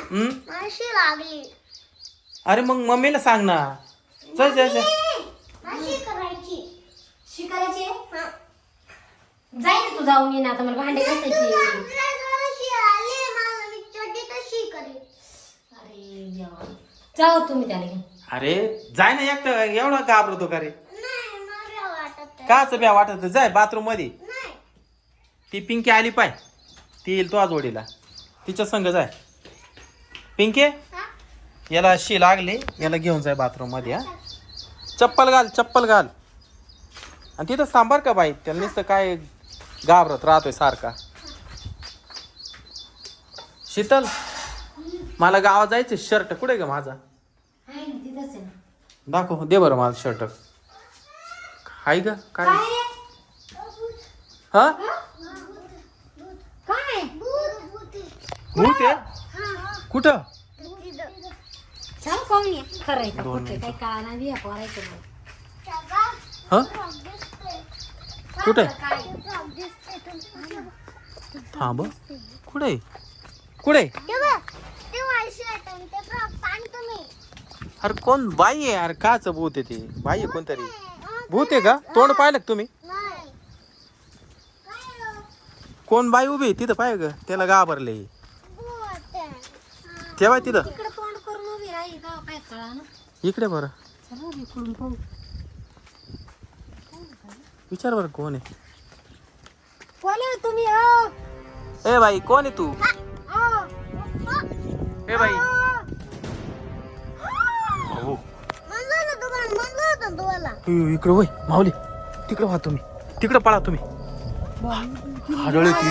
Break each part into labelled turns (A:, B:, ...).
A: माशी लागली.
B: अरे मग मम्मीला सांग ना. चल चल चल.
A: माशी करायची.
C: शिकायची जाय ना तू जाऊन ये ना आता मला भांडे घासायची. अरे देवा जाऊ तुम्ही त्याला घेऊन.
B: अरे जाय ना एकटा एवढा घाबरतो का रे? काच ब्या वाटत जाय बाथरूम मध्ये. ती पिंकी आली पाय ती येईल तो जोडीला तिच्या संग जाय. पिंके याला शी लागली याला घेऊन जाय बाथरूम मध्ये. हा चप्पल घाल चप्पल घाल. आणि तिथं सांभार का बाई त्याला नुसतं काय घाबरत राहतोय सारखा. शीतल मला गावात जायचं शर्ट कुठे ग माझा?
C: आहे ना तिथंच आहे ना.
B: दाखव दे बरं माझं शर्ट. हाय ग काय? हा
C: काय
B: भूत आहे कुठं?
C: सांग कोण आहे खरं आहे का खोटं काही कळा नाही बिया पोरायचं नाही.
B: हा कुठे?
C: काय
B: थांब कुठे कुठे? अरे कोण बाई आहे यार काच भूत आहे ते बाई आहे कोणतरी भूत आहे का? तोंड पाहिलं का तुम्ही? कोण बाई उभी तिथं पाय ग त्याला घाबरले तेव्हा तिथं
C: इकडे तोंड करून उभी राहील का काय कळा ना.
B: इकडे बरं
C: चला इकडून पाहू.
B: विचार बरं कोण आहे?
C: कोण आहे तुम्ही? हो
B: ए बाई कोण आहे तू? ए बाई हो इकडे होय माऊली तिकडे व्हा तुम्ही तिकडे पळा तुम्ही. आढळले ती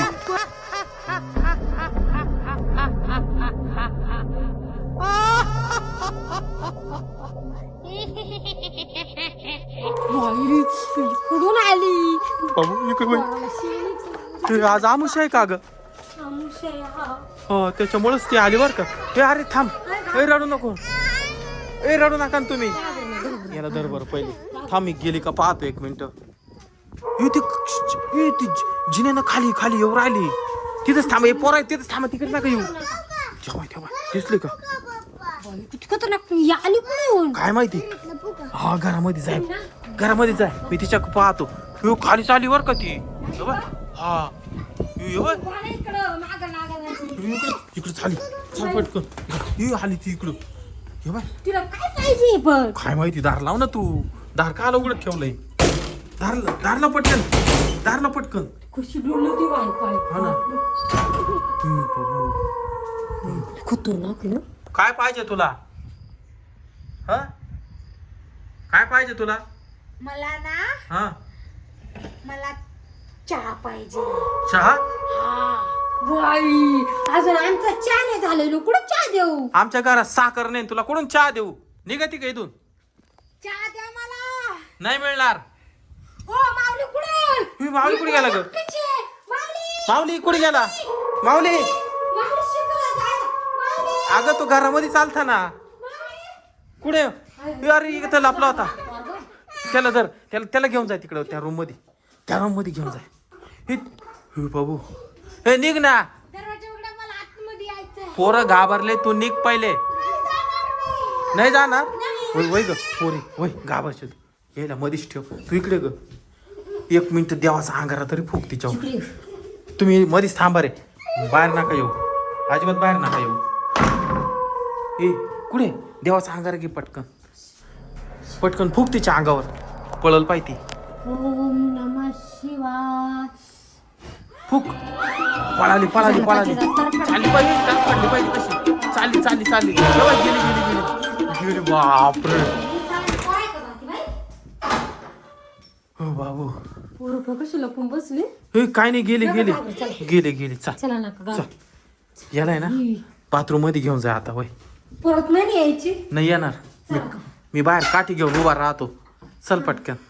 C: कुठून आली?
B: बाबू इकडे होय. ते आज आमुष आहे का ग? हो त्याच्यामुळेच ती आली बर का. ते अरे थांब ए रडू नको ए रडू नका ना तुम्ही. याला धर बरं पहिले थांब मी गेली का पाहतो एक मिनिट. ती जिन्यानं खाली खाली येऊ राहिली तिथंच थांब. हे पोरा तिथंच थांबा तिकडे नका येऊ. ठेवा ठेवा दिसले का?
C: आली कुठून
B: काय माहिती. हा घरामध्ये जाय घरामध्ये जाय मी तिच्या पाहतो. यो खाली चाली वर का ती. हा इकडे चाली चाल पटकन आली ती इकडं.
C: तिला काय पाहिजे पण
B: काय माहिती. दार लाव ना तू. दार का उघडत ठेवलंय? दारला पटकन दारला पटकन.
C: कशी डोलली ती बाई काय
B: हा ना.
C: खतरनाक ना.
B: काय पाहिजे तुला? हा काय पाहिजे तुला?
C: मला ना
B: हा
C: मला चहा पाहिजे.
B: चहा?
C: बाई अजून आमचा चहा नाही झालेलो कुठं चहा देऊ?
B: आमच्या घरात साखर नाही तुला कुठून चहा देऊ? निघती का इथून?
C: चहा द्या मला.
B: नाही मिळणार.
C: हो माऊली कुठे?
B: माऊली कुठे गेला ग?
C: माऊली
B: माऊली कुठे गेला? माऊली
C: माऊली शिकवा जायला. माऊली
B: अगं तू घरामध्ये चालता ना कुठे? अरे इथं लपला होता. त्याला धर त्याला घेऊन जाय तिकडं त्या रूम मध्ये घेऊन जाय. हे बाबू हे निघ ना.
C: दरवाजा उघडा मला आतमध्ये यायचंय.
B: पोरं घाबरले तू निघ पहिले. नाही जाणार वय ग पोरी वय घाबरशील. यायला मधीच ठेव तू इकडे ग. एक मिनिट देवाचा अंगारा तरी फुक तिच्यावर. तुम्ही मधीच थांबा रे. बाहेर नका येऊ अजिबात बाहेर नका येऊ. ए कुठे देवाचा अंगारा घे पटकन पटकन फुक तिच्या अंगावर. पळल पाहिजे.
C: ओम नमः शिवाय.
B: फुक पळाली चालली पाहिजे कशी चालली गेली बापरे. हो बाबू
C: पोरं कशी लपून बसली.
B: हे काय नाही गेली चाल
C: चला नका
B: याला आहे ना बाथरूम मध्ये घेऊन जा आता. होय
C: परत नाही यायची.
B: नाही येणार मी बाहेर काठी घेऊन उभा राहतो. चल पटकन.